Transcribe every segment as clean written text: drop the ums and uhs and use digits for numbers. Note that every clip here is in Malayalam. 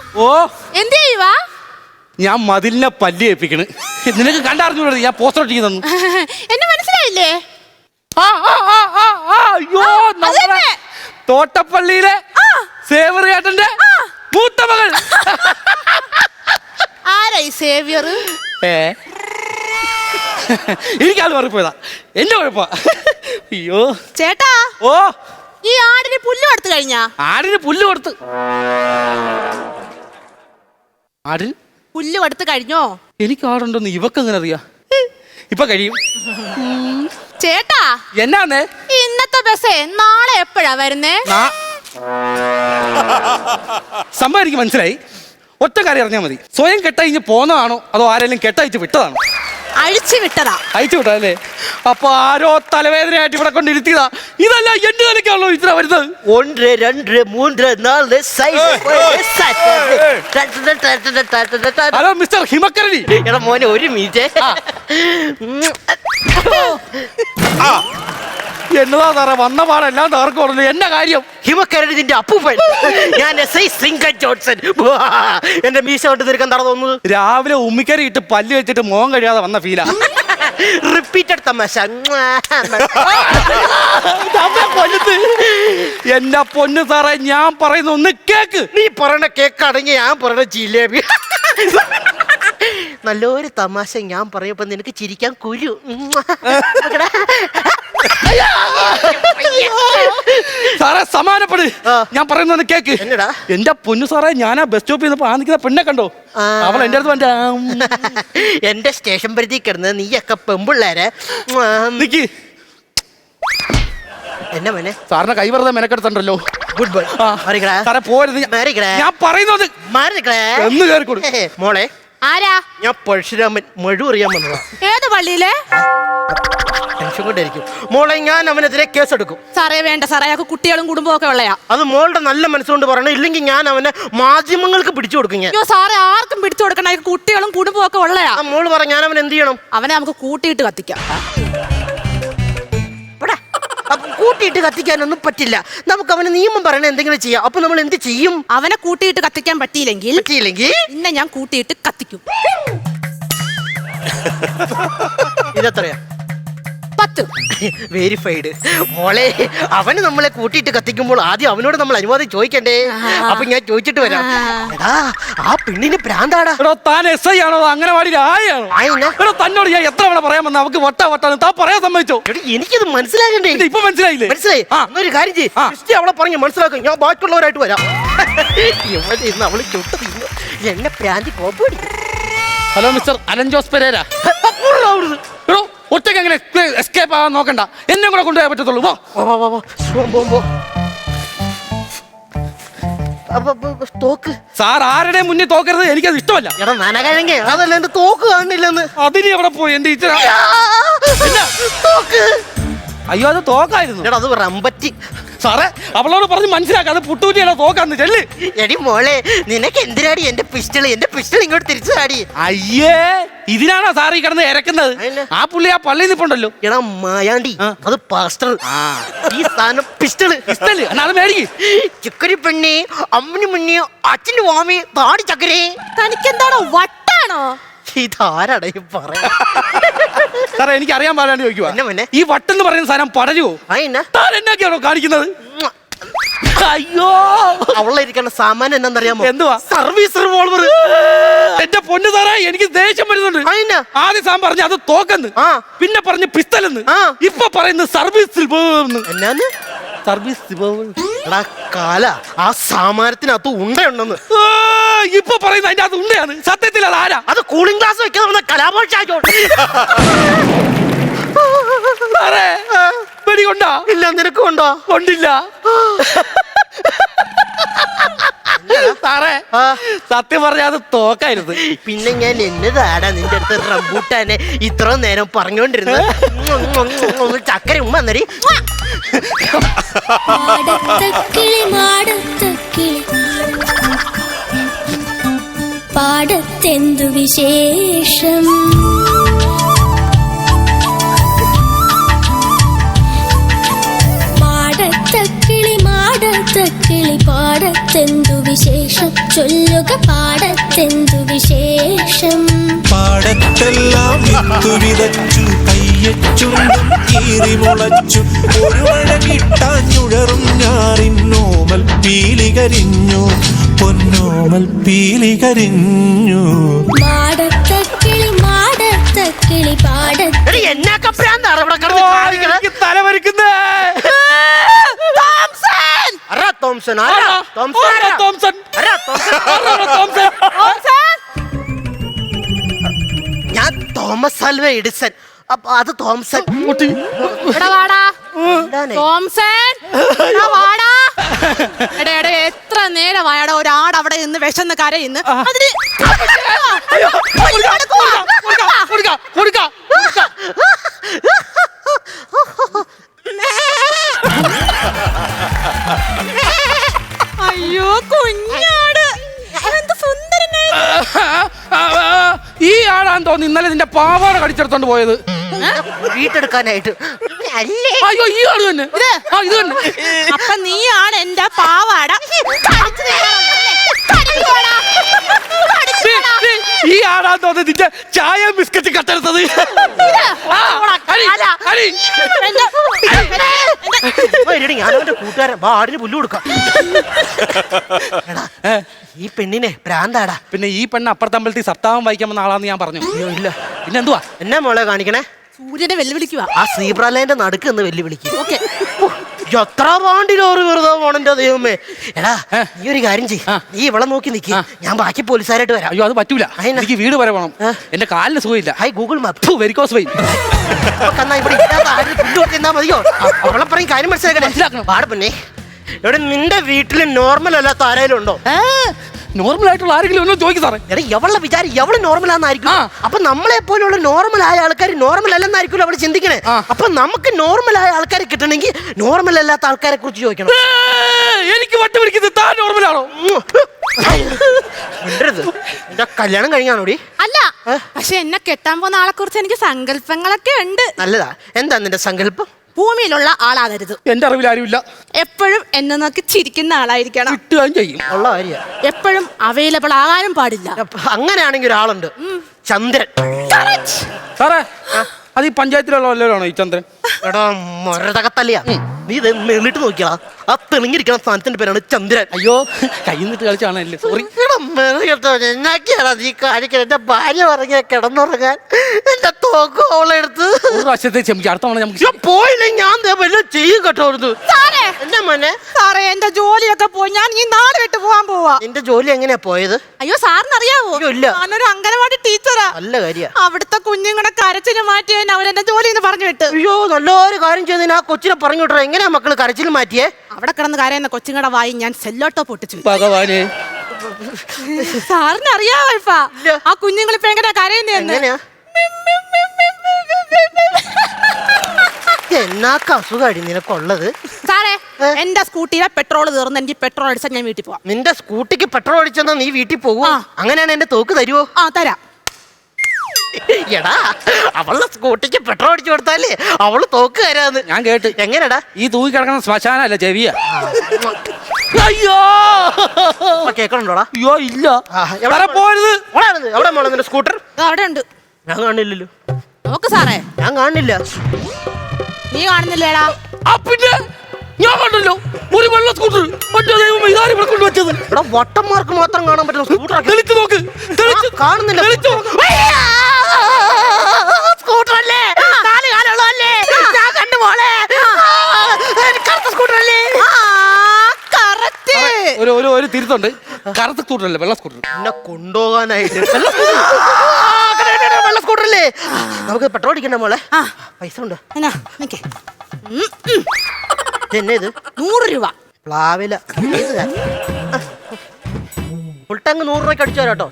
ഓ എന്ത് ചെയ്യുവാ? ഞാൻ മതിലിനെ പല്ലി ഏൽപ്പിക്കണ്. നിനക്ക് കണ്ടറിഞ്ഞൂടെ ഞാൻ പോസ്റ്റർ ഒട്ടിക്ക് തന്നു. എന്നെ മനസ്സിലായില്ലേ? അയ്യോ തോട്ടപ്പള്ളിയിലെ സേവറിയേട്ടന്റെ മൂത്ത മകൾ. ആരായി സേവിയർ? എനിക്കാൾ മാറിപ്പോയതാ, എന്റെ കുഴപ്പ. അയ്യോ ചേട്ടാ, ഓ ഈ ആടിന് പുല്ല് കൊടുത്തു കഴിഞ്ഞാ? ആടിന് പുല്ല് കൊടുത്ത്. ആടിന് പുല്ല് കൊടുത്തു കഴിഞ്ഞോ? എനിക്ക് ആടുണ്ടെന്ന് ഇവക്കെങ്ങനെ അറിയാ? ഇപ്പൊ കഴിയും. ചേട്ടാ എന്നാന്നേ ഇന്നത്തെ ബസ്സേ നാളെ എപ്പോഴാ വരുന്നേ? സംഭവം എനിക്ക് മനസ്സിലായി. ഒറ്റ കാര്യം അറിഞ്ഞാൽ മതി. സ്വയം കെട്ടഴിഞ്ഞ് പോന്നതാണോ അതോ ആരെങ്കിലും കെട്ടയച്ച് വിട്ടതാണോ? അഴിച്ചു വിട്ടതാ. അയച്ചു വിട്ടാ അല്ലേ? അപ്പൊ ആരോ തലവേദനയായിട്ട് ഇവിടെ കൊണ്ടിരുത്തിയതാ. ഇതല്ല എന്റെ നിലയ്ക്കാണല്ലോ ഇത്ര വരുന്നത്. 1 2 3 4 ഹലോ മിസ്റ്റർ ഹിമക്കരടി. എടാ മോനെ ഒരു മിനിറ്റ്. എന്നതാ സാറേ വന്ന പാടെല്ലാം തകർക്കുള്ളൂ. എന്ന കാര്യം? ഹിമക്കരടി നിന്റെ അപ്പൂപ്പൻ. ഞാൻ SI ശൃംഗൻ ജോൺസൺ. എന്റെ മീശ കൊണ്ട് തീർക്കാൻ തറ തോന്നുന്നു. രാവിലെ ഉമ്മിക്കരി ഇട്ട് പല്ല് വെച്ചിട്ട് മോൻ കഴിയാതെ വന്ന ഫീലാ. റിപ്പീറ്റഡ് തമാശ. എന്റെ പൊന്നു സാറേ ഞാൻ പറയുന്ന ഒന്ന് കേക്ക്. നീ പറയണ കേക്കാണെങ്കിൽ ഞാൻ പറയണ ജിലേബി. നല്ലൊരു തമാശ ഞാൻ പറയപ്പോ നിനക്ക് ചിരിക്കാൻ കുരു. സാറേ സമാനപ്പെട്. ഞാൻ പറയുന്ന കേക്ക്. എന്നടാ? എന്റെ പൊന്നു സാറേ ഞാൻ ആ ബസ് സ്റ്റോപ്പിൽ നിന്ന് ആ നിൽക്കുന്ന പെണ്ണെ കണ്ടോ? അവൾ എന്റെ അടുത്ത് വന്നിട്ട് എന്റെ സ്റ്റേഷൻ പരിധി കിടന്ന് നീയൊക്കെ പെമ്പിള്ളേരെ നിക്ക്. എന്നെ മോനെ സാറിനെ കൈ വെറുതെ മെനക്കെടുത്തണ്ടല്ലോ. Good boy. സാറേ പോരുത്. ഞാൻ പറയുന്നത് എന്ന് കേറിക്കൊടു. മോളെ ആരാ? ഞാൻ പഴശുരാമൻ മഴു അറിയാൻ വന്നതാ. ഏത് പള്ളിയിലെ? ടെൻഷൻ കൊണ്ടായിരിക്കും മോളെ. ഞാൻ അവനെതിരെ കേസെടുക്കും. സാറേ വേണ്ട സാറേ, അയാൾക്ക് കുട്ടികളും കുടുംബവും ഒക്കെ ഉള്ളയാ. അത് മോളുടെ നല്ല മനസ്സുകൊണ്ട് പറയണം. ഇല്ലെങ്കിൽ ഞാൻ അവനെ മാധ്യമങ്ങൾക്ക് പിടിച്ചു കൊടുക്കും. ഞാൻ സാറേ ആർക്കും പിടിച്ചു കൊടുക്കണ, അയാൾക്ക് കുട്ടികളും കുടുംബവും ഒക്കെ ഉള്ളയാ. മോള് പറ ഞാൻ അവൻ എന്ത് ചെയ്യണം? അവനെ നമുക്ക് കൂട്ടിയിട്ട് കത്തിക്കാം. കൂട്ടിയിട്ട് കത്തിക്കാനൊന്നും പറ്റില്ല. നമുക്ക് അവന് നിയമം പറയണ എന്തെങ്കിലും ചെയ്യാം. അപ്പൊ നമ്മൾ എന്ത് ചെയ്യും? അവനെ കൂട്ടിയിട്ട് കത്തിക്കാൻ പറ്റിയില്ലെങ്കിൽ ഇന്നെ ഞാൻ കൂട്ടിയിട്ട് കത്തിക്കും. ഇതെത്രയാ? 10. വെരിഫൈഡ്. മോളെ അവന് നമ്മളെ കൂട്ടിയിട്ട് കത്തിക്കുമ്പോൾ ആദ്യം അവനോട് നമ്മൾ അനുവാദം ചോദിക്കണ്ടേ? അപ്പൊ ഞാൻ ചോദിച്ചിട്ട് വരാം. എടാ ആ പെണ്ണിന് ഭ്രാന്താടാ. താൻ SI ആണോ അംഗനവാടി ആയാണോ? തന്നോട് ഞാൻ എത്ര തവണ പറയാൻ വന്ന അവക്ക് വട്ടാണ് താൻ പറയാൻ സമ്മതിച്ചോ? എനിക്കത് മനസ്സിലാകണ്ടേ? ഇപ്പൊ മനസ്സിലായില്ലേ? മനസ്സിലായി. ഒരു കാര്യം ചെയ്യ്, അവളെ പറഞ്ഞു മനസ്സിലാക്കും. ഞാൻ ബാക്കിയുള്ളവരായിട്ട് വരാം. ഇവിടെ ഇന്ന് അവള് ചുട്ട തിന്നു എന്നെ പ്രാന്തി കോപ്പടി. Hello mister Alan Jose Perera. ഒറ്റയ്ക്ക് എങ്ങനെ എസ്കേപ്പ് ആവാൻ നോക്കണ്ട, എന്നെ കൂടെ കൊണ്ടുപോയാൽ പറ്റത്തുള്ളൂ. തോക്ക് സാർ ആരുടെ മുന്നിൽ തോക്കരുത്, എനിക്കത് ഇഷ്ടമല്ല. എടാ നനകഴങ്ങ അതല്ല എന്റെ തോക്ക് കാണില്ലെന്ന്. അതിന് എവിടെ പോയി എന്റെ ടീച്ചർ? തോക്ക്. അയ്യോ അത് തോക്കായിരുന്നു. എടാ അത് റമ്പറ്റി. സാറേ അവളോട് പറഞ്ഞ് മനസ്സിലാക്കാം അത് പുട്ടൂറ്റിയുടെ തോക്കാന്ന്. ചെല്ല്. എടി മോളെ നിനക്ക് എന്തിനാടി എന്റെ പിസ്റ്റൾ? എന്റെ പിസ്റ്റൾ ഇങ്ങോട്ട് തിരിച്ചു താടി. അയ്യേ ഇതിനാണോ സാർ ഈ കിടന്ന് ഇരക്കുന്നത്? ആ പുള്ളി ആ പള്ളിയിൽ നിൽപ്പുണ്ടല്ലോ. എടാ മായാണ്ടി അത് പാസ്റ്റർ. ഈ സാധനം പിസ്റ്റള്. അത് മേടിക്ക്. ചക്കരി പെണ്ണി അമ്മന് മുന്നേ അച്ഛന് വാമി താടി ചക്കരേ. തനിക്കെന്താണോ വട്ടാണോ? ഇതാരാടാ ഈ പറയാ? സാറേ എനിക്ക് അറിയാൻ പാടാണ്ട് ചോദിക്കുവാ, ഈ വട്ടെന്ന് പറയുന്ന സാധനം പടരുവോ? താൻ എന്നൊക്കെയാണോ കാണിക്കുന്നത്? അയ്യോ അവളിരിക്കണ സാമാനം എന്താണെന്നറിയാമോ? എന്തുവാ? Service revolver. എന്റെ പൊന്നു സാറേ എനിക്ക് ദേഷ്യം വരുന്നുണ്ട്. ആദ്യം സാൻ പറഞ്ഞു അത് തോക്കെന്ന്, പിന്നെ പറഞ്ഞു പിസ്റ്റലെന്ന്, ഇപ്പൊ പറയുന്നത് സർവീസ് എന്നാന്ന്? സർവീസ് കാല ആ സാമാനത്തിനകത്ത് ഉണ്ടയുണ്ടെന്ന് ഇപ്പൊ പറയുന്നത്. അതിന്റെ അത് ഉണ്ടയാണ്. സത്യത്തിൽ അത് ആരാ? അത് കൂളിംഗ് ഗ്ലാസ് വെക്കുന്ന കലാപോഷാക്കോ. വെടി കൊണ്ടാ? ഇല്ല. നിനക്ക് കൊണ്ടോ? കൊണ്ടില്ല സാറേ. സത്യം പറഞ്ഞ അത് തോക്കായിരുന്നു. പിന്നെ ഞാൻ എന്നതാടാ നിന്റെ അടുത്ത് റംബൂട്ടാനെ ഇത്ര നേരം പറഞ്ഞോണ്ടിരുന്നത്. ചക്കര ഉമ്മ എന്നറി. പാടത്തെന്തു വിശേഷം? മാടത്തക്കിളി പാടത്തെന്തു വിശേഷം ചൊല്ലുക പാടത്തെന്തു വിശേഷം. പാടത്തെല്ലാം വിത്തു വിതച്ചു കയ്യച്ചുണ്ടും കീറി മുളച്ചു ഒരു മഴ കിട്ടാഞ്ഞുഴറും ഞാറിന്നോമൽ പീലികരിഞ്ഞു പൊന്നോമൽ പീലികരിഞ്ഞു. മാടത്തക്കിളി മാടത്തക്കിളി പാടത്ത് എന്നൊക്കെ ഭ്രാന്താണ് ഇവിടെ കിടന്ന് കാണിക്കണത്? എനിക്ക് തലവരിക്കുന്നേ. തോംസൺ ആരാ? തോംസൺ ആരാ? തോംസൺ. ആരാ തോംസൺ? തോംസൺ. ഞാൻ തോമസ് ആൽവ എഡിസൺ. അപ്പൊ അത് തോംസൺ. എടാ വാടാ എന്താണ്? തോംസൺ, എടാ വാടാ. എടാ എടാ എത്ര നേരമായടാ ഒരാട് അവിടെ നിന്ന് വിശന്ന് കരയുന്നു. അതിന് കൊടുക്ക, കൊടുക്ക. അയ്യോ കുഞ്ഞാട്, എന്ത് സുന്ദരനായി. ഈ ആളാന്ന് തോന്നി ഇന്നലെ നിന്റെ പാവാട കടിച്ചെടുത്തോണ്ട് പോയത്. വീട്ടെടുക്കാനായിട്ട്. അല്ലേ? അയ്യോ ഈ ആള് തന്നെ. ഇത് തന്നെ. അപ്പൊ നീയാണ് എന്റെ പാവാട. ഈ ആളാന്ന് തോന്നി നിന്റെ ചായ ബിസ്ക്കറ്റ് കട്ടെടുത്തത്. ഞാൻ അവന്റെ കൂട്ടുകാരൻ ആടിന് പുല്ല് കൊടുക്കാം. ഈ പെണ്ണിനെ ഭ്രാന്താടാ. പിന്നെ ഈ പെണ്ണ് അപ്പുറത്തമ്പലത്തിൽ സപ്താഹം വായിക്കാൻ വന്ന ആളാന്ന് ഞാൻ പറഞ്ഞു. അയ്യോ ഇല്ല. പിന്നെ എന്തുവാ എന്നാ മോളെ കാണിക്കണേ? സൂര്യനെ വെല്ലുവിളിക്കുക. ആ സീബ്രലൈന്റെ നടുക്ക് എന്ന് വെല്ലുവിളിക്കും. ഓക്കെ, എത്ര പാണ്ടിലോറ് വെറുതെ പോണെന്റെ ദൈവമേ. എടാ നീ ഒരു കാര്യം ചെയ്യ്, നീ ഇവിടെ നോക്കി നിക്ക്, ഞാൻ ബാക്കി പോലീസുകാരായിട്ട് വരാം. അയ്യോ അത് പറ്റൂല. അതെന്നാ? എനിക്ക് വീട് വരെ പോകണം. എന്റെ കാലിന് സുഖമില്ല. Hi Google map varicose vein. ഇവിടെ ഇല്ലാത്ത ആരും പുല്ല് കൊടുത്തിരുന്നാ മതിയോ? അവളെ പറയും കാര്യം മനസ്സിലാക്കണം. പാട് പിന്നെ ഇവിടെ നിന്റെ വീട്ടിൽ നോർമൽ അല്ലാത്ത ആരെങ്കിലും ഉണ്ടോ? നോർമൽ ആയിട്ടുള്ള ആരെങ്കിലും ഒന്നും ചോദിക്കും സാറേ. എടാ എവളുടെ വിചാരം എവള് നോർമൽ ആണെന്നായിരിക്കും. അപ്പൊ നമ്മളെ പോലുള്ള നോർമൽ ആയ ആൾക്കാർ നോർമൽ അല്ലെന്നായിരിക്കും അവള് ചിന്തിക്കണേ. അപ്പൊ നമുക്ക് നോർമൽ ആയ ആൾക്കാരെ കിട്ടണമെങ്കിൽ നോർമൽ അല്ലാത്ത ആൾക്കാരെ കുറിച്ച് ചോദിക്കണം. എനിക്ക് വട്ട് പിടിക്കുന്നത് താൻ നോർമലാണോ? എന്റെ കല്യാണം കഴിഞ്ഞാണോടി? അല്ല, പക്ഷെ എന്നെ കെട്ടാൻ പോകുന്ന ആളെ കുറിച്ച് എനിക്ക് സങ്കല്പങ്ങളൊക്കെ ഉണ്ട്. നല്ലതാ. എന്താ നിന്റെ സങ്കല്പം? ഭൂമിയിലുള്ള ആളാകരുത്. എന്റെ അറിവിൽ ആരുമില്ല. എപ്പോഴും എന്നെ നോക്കി ചിരിക്കുന്ന ആളായിരിക്കണം. കിട്ടുകയും ചെയ്യും. ഉള്ള കാര്യ. എപ്പോഴും അവൈലബിൾ ആകാനും പാടില്ല. അങ്ങനെയാണെങ്കിൽ ഒരാളുണ്ട്, ചന്ദ്രൻ. സാറേ അത് ഈ പഞ്ചായത്തിലുള്ള വല്ലവരാണോ ഈ ചന്ദ്രൻ? എടാ മൊരതകത്തല്ലയാ. നീ ഇത് മെളിട്ട് നോക്കിയാ ആ തെളിഞ്ഞിരിക്കുന്ന സ്ഥാനത്തിന്റെ പേരാണ് ചന്ദ്രൻ. അയ്യോ കയ്യിൽ നിന്നിട്ട് കളിച്ചാണല്ലേ, സോറി. എന്നാക്കിയാടാ നീ കാണിക്കാൻ? എന്റെ ഭാര്യ പറഞ്ഞ കിടന്നുറങ്ങാൻ എന്റെ തോക്കും അവളെടുത്ത് ഒരു പ്രാവശ്യത്തെ ക്ഷമിക്കും. അടുത്ത തവണ നമുക്ക് പോയില്ലേ ഞാൻ വല്ലതും ചെയ്യും കേട്ടോ. സാറേ, എന്റെ മോനെ, സാറേ എന്റെ ജോലിയൊക്കെ പോയി ഞാൻ ഈ നാട് വിട്ട് പോവാൻ പോവാ. നിന്റെ ജോലി എങ്ങനെയാ പോയത്? അയ്യോ സാറിന് അറിയാവോ? അയ്യോ, ഇല്ല. ഞാനൊരു അംഗനവാടി ടീച്ചറാ. നല്ല കാര്യ. അവിടുത്തെ കുഞ്ഞുങ്ങളുടെ കരച്ചിന് മാറ്റിയാൻ അവരെന്റെ ജോലി എന്ന് പറഞ്ഞു വിട്ടു. അയ്യോ നല്ലൊരു കാര്യം ചെയ്തതിന് ആ കൊച്ചിനെ പറഞ്ഞു വിട്ടോ. എങ്ങനെയാ മക്കള് കരച്ചിൽ മാറ്റിയേ? അവിടെ കിടന്ന് കരയുന്ന കൊച്ചുങ്ങളുടെ വായി ഞാൻ സെല്ലോട്ടോ പൊട്ടിച്ചു. ഭഗവാനെ, സാറിന് അറിയാവോ ഇപ്പ ആ കുഞ്ഞുങ്ങൾ ഇപ്പൊ എങ്ങനെയാ കരയുന്നതെന്ന്? എങ്ങനെയാ? എന്നാക്ക അസുഖാടി നിനക്കുള്ളത്? സാറേ എന്റെ സ്കൂട്ടിയിലെ പെട്രോൾ തീർന്ന് എനിക്ക് പെട്രോൾ അടിച്ചാൽ ഞാൻ വീട്ടിൽ പോവാം. നിന്റെ സ്കൂട്ടിക്ക് പെട്രോൾ അടിച്ചെന്നാ നീ വീട്ടിൽ പോകും? അങ്ങനെയാണ് എന്റെ തോക്ക് തരുവോ? ആ തരാം. എടാ അവളുടെ സ്കൂട്ടിക്ക് പെട്രോൾ അടിച്ചു കൊടുത്താലേ അവള് തോക്ക് തരാന്ന് ഞാൻ കേട്ട്. എങ്ങനെടാ? ഈ തൂക്കി കിടക്കുന്ന ശ്മശാനല്ല ചെവിയ. അയ്യോ കേക്കണുണ്ടോടാ? അയ്യോ ഇല്ല. എവിടെ പോരുത്. എവിടെ മോളെ നിന്റെ സ്കൂട്ടർ? അവിടെ ഉണ്ട്. ഞാൻ കാണില്ലല്ലോ. നോക്ക് സാറേ. ഞാൻ കാണില്ല. നീ കാണുന്നില്ലേടാ? ആ പിന്നെ ഞാൻ കണ്ടല്ലോ ഒരു വെള്ള സ്കൂട്ടർ. മറ്റേ ദൈവം ഇതാരും ഇവിടെ കൊണ്ടുവച്ചത്. ഇവിടെ വട്ടന്മാർക്ക് മാത്രം കാണാൻ പറ്റുന്ന സ്കൂട്ടർ. തെളിച്ചു നോക്ക്. കാണുന്നില്ല. സ്കൂട്ടർ അല്ലേ? നാല് കാലുള്ളതല്ലേ? ഞാൻ കണ്ടു മോളെ. കറുത്ത സ്കൂട്ടർ അല്ലേ? ഒരു തിരുത്തുണ്ട്. കറുത്ത സ്കൂട്ടർ അല്ലേ, വെള്ള സ്കൂട്ടർ. എന്നെ കൊണ്ടുപോകാനായിട്ട് വെള്ള സ്കൂട്ടർ അല്ലേ? നമുക്ക് പെട്രോൾ അടിക്കണ്ട മോളെ. പൈസ ഉണ്ട്. എന്നെ ഇത് 100 രൂപ. പ്ലാവില ഫുൾ ടാങ്ക് 100 രൂപയ്ക്ക് അടിച്ചു തരാട്ടോ.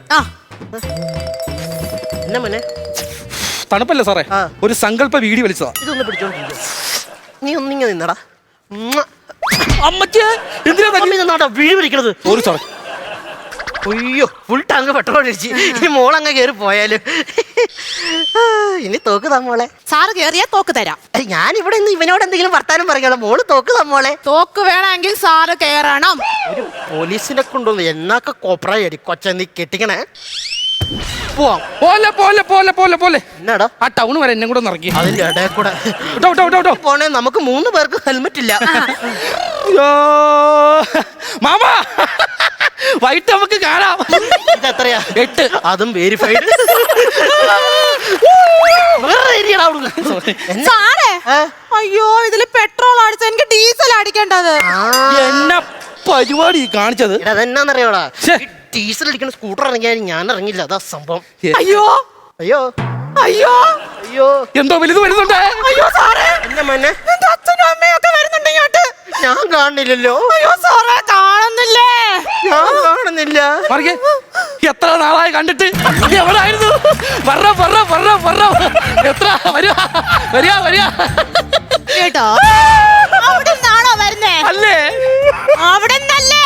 എന്നാ മോനെ? തണുപ്പല്ലേ സാറേ, ഒരു സങ്കല്പ വീടി വലിച്ചതാ. ഇതൊന്ന് പിടിച്ചോണ്ടിരിക്കും. നീ ഒന്നിങ്ങ നിന്നടാ. അമ്മച്ചേ എന്തിനാ വീട് പിടിക്കണത്? സോറി സാറേ. അയ്യോ ഫുൾ ടാങ്ക് പെട്രോൾ അടിച്ച് ഇനി മോളങ്ങ് കയറി പോയാലും ഇനി തോക്ക് തമ്മോളെ. സാറ് കേറിയാ തോക്ക് തരാം. ഞാൻ ഇവിടെ നിന്ന് ഇവനോട് എന്തെങ്കിലും വർത്താനം പറയുകയുള്ളൂ. മോള് തോക്ക് തമ്മോളെ. തോക്ക് വേണമെങ്കിൽ സാറ് കേറണം. ഒരു പോലീസിനെ കൊണ്ടുവന്നു എന്നൊക്കെ കോപ്രായി കൊച്ച നീ കെട്ടിക്കണേ. പോവാം. പോലെ പോലെ പോലെ പോലെ പോലെ എന്നാടാ ആ ടൗൺ വരെ എന്നെ കൂടെ ഇറക്കി. അതിന്റെ ഇടയിൽ കൂടെ വിട്ടോ, വിട്ടോ, വിട്ടോ, വിട്ടോ. പോണേ. നമുക്ക് 3 പേർക്ക് ഹെൽമെറ്റ് ഇല്ല. അയ്യോ മാമാ, വൈകിട്ട് നമുക്ക് കാണാം. ഇതെത്രയാ? 8. അതും വെരിഫൈഡ്. സാറേ, അയ്യോ ഇതില് പെട്രോൾ അടിച്ച എനിക്ക് ഡീസൽ അടിക്കേണ്ടത്. എന്നെ പരിപാടി കാണിച്ചത് അതെന്നാന്നറിയോടാ, ശ്ശെ. ഡീസൽ അടിക്കുന്ന സ്കൂട്ടർ ഇറങ്ങിയാൽ ഞാൻ ഇറങ്ങില്ല. അതാ സംഭവം. അയ്യോ അയ്യോ അയ്യോ അയ്യോ എന്തോ വലുത് വരുന്നുണ്ട്. അയ്യോ സാറേ, എന്നെ മോനെ എന്റെ അച്ഛനും അമ്മയും ഒക്കെ വരുന്നുണ്ട് ഇങ്ങോട്ട്. ഞാൻ കാണില്ലല്ലോ. അയ്യോ സാറേ, കാണുന്നില്ലേ? ഞാൻ കാണുന്നില്ല. മറികെ എത്ര നാളായി കണ്ടിട്ട്. നീ എവിടായിരുന്നു? പറ പറ പറ പറ. എത്ര വരിക വരിക വരിക. കേട്ടോ, അവിടെ നിന്നാണോ വരുന്നേ? അല്ലേ അവിടെ നിന്നല്ലേ?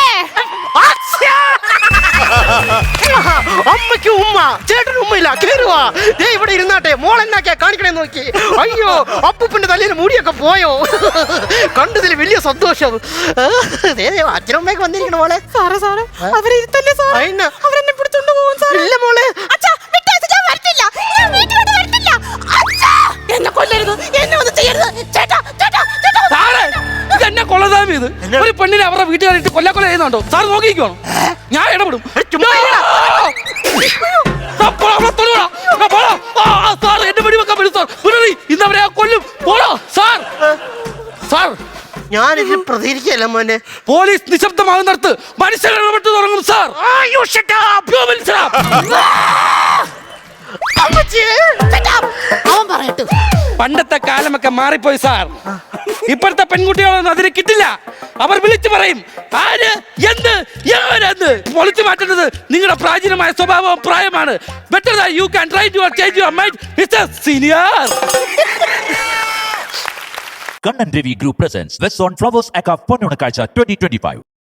അമ്മയ്ക്ക് ഉമ്മ, ചേട്ടന് ഉമ്മയില്ല. കേറുവാ. ദേ ഇവിടെ ഇരുന്നാട്ടെ. മോൾ എന്നാക്കിയാ കാണിക്കണേ നോക്കി. അയ്യോ അപ്പൂപ്പന്റെ തലയിൽ മുടിയൊക്കെ പോയോ? കണ്ടതിൽ വലിയ സന്തോഷം. അച്ഛനും അമ്മയൊക്കെ വന്നിരിക്കണ മോളെ. സാറേ സാറേ, അവരിരുത്തല്ലേ സാർ? അയിനാ. അവരെന്നെ പിടിച്ചോണ്ട് പോകും സാർ. ഇല്ല മോളെ. അച്ഛാ, വിട്ടേച്ച് ഞാൻ വരത്തില്ല. ഞാൻ വീട്ടിലോട്ട് വരത്തില്ല. അച്ഛാ, എന്നെ കൊല്ലരുത്, എന്നെ ഒന്നും ചെയ്യരുത്. ചേട്ടാ ചേട്ടാ ചേട്ടാ. സാറേ, ഇതെന്നെ കൊള്ളതാമി. ഇത് ഒരു പെണ്ണിനെ അവരുടെ വീട്ടുകാരിട്ട് കൊല്ല ചെയ്യുന്നുണ്ടോ? സാർ നോക്കിക്കോണം, ഞാൻ ഇടപെടും. ഇന്നവരെ കൊല്ലും. പോടോ സാർ. സാർ, ഞാനിതിൽ പ്രതികരിക്കല്ല മോനെ. പോലീസ് നിശബ്ദമാകുന്നിടത്ത് മനുഷ്യർ ഇടപെട്ട് തുടങ്ങും സാർ. അവൻ പറയട്ടെ. പണ്ടത്തെ കാലമൊക്കെ മാറിപ്പോയി സാർ. ഇപ്പോഴത്തെ പെൺകുട്ടികളൊന്നും അതിന് കിട്ടില്ല. അവർ വിളിച്ചു പറയും ആര് എന്ത് എവരെന്ന്. പൊളിച്ചു മാറ്റുന്നത് നിങ്ങളുടെ പ്രാചീനമായ സ്വഭാവവും പ്രായമാണ്. Better than you can try to change your mind mister senior. Kannan Devi Group presents West on Flowers Aka Ponnunakazha 2025.